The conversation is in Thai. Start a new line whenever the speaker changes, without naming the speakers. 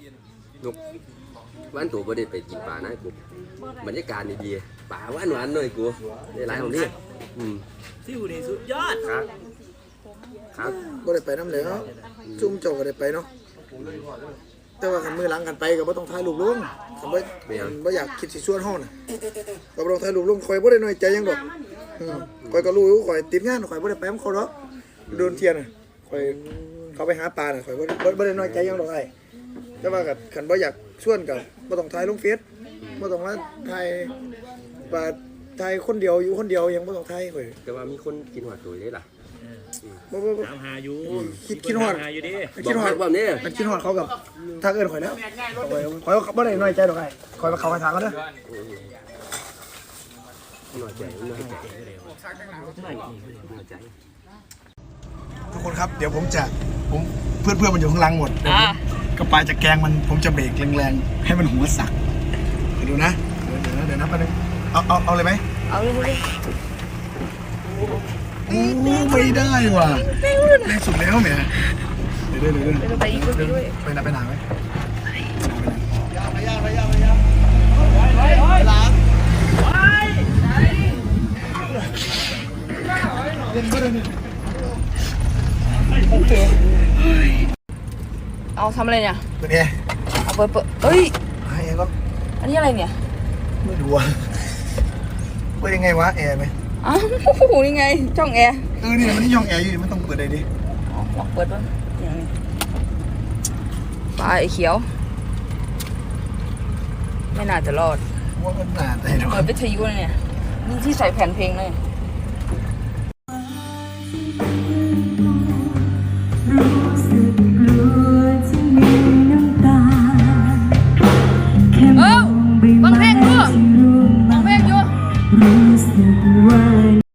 นกวันตัวบ่ได้ไปกินปลานะกูบรรยากาศดีๆปลาหวานๆหน่อยกูได้หลายของนี่
ซิวนี่สุดยอด
ครับครับ
บ่ได้ไปน้ำเหลวซุ่มเจ้าก็ได้ไปเนาะแต่ว่าคันมือหลังกันไปก็บ่ต้องถ่ายรูปลงคันบ่อยากคิดสิชวนเฮาน่ะก็บ่ต้องถ่ายรูปลงข่อยบ่ได้น้อยใจหยังดอกข่อยก็รู้ข่อยติดงานข่อยบ่ได้ไปนํเขาดอกโดนเที่ยน่ะข่อยเขาไปหาปลาน่ะข่อยบ่ได้น้อยใจหยังดอกไอ้แต่ว่าคันบ่อยากชวนก็บ่ต้องถ่ายลงเฟซบ่ต้องมาถ่ายปลาถ่ายคนเดียวอยู่คนเดียวยังบ่ต้องถ่ายข่อย
แต่ว่ามีคนกินหัวตัวได้ล่ะ
บ่
ถามหาอยู่
คิดฮอด
อยู่ดิ
คิดฮอด
แบบนี้
มันคิดฮอดเขากับทักเอิ้นข่อยแล้วข่อยบ่ได้น้อยใจดอกไอ้ข่อยเขาไปถามเขาเด้อ
น้อยใจ
ทุกคนครับเดี๋ยวผมเพื่อนมันอยู่ข้างล่างหมดกระปายจะแกงมันผมจะเบรกแรงๆให้มันหัวสักดูนะเดี๋ยวนะแป๊บนึงเอาเลยไหม
เอาเลย
โอ้ไม่ได้ว่ะแรงสุดแล้วแหมเดี๋ยว
ไปอีกด้วย
ไปไหนไหม
เอาทำอะไรเนี่ย
เปิดแอร์
เอาเปิดเฮ้ย
ให้แอร์ก็
อันนี้อะไรเนี่ย
ไม่รู้อ่ะเปิดยังไงวะแอร์ไหม
อ้าวนี่ไงช่องแอร์
นี่มันนี่ช่องแอร์อยู่มันต้องเปิดอะไรดิ
ลองเปิดบ้างอย่างนี้ปลาไอ้เขียวไม่น่าจะรอด
ว่ามันหนาแต่
เปิดวิทยุเนี่ยนี่ที่ใส่แผ่นเพลงเลยฟังเพลงด้วย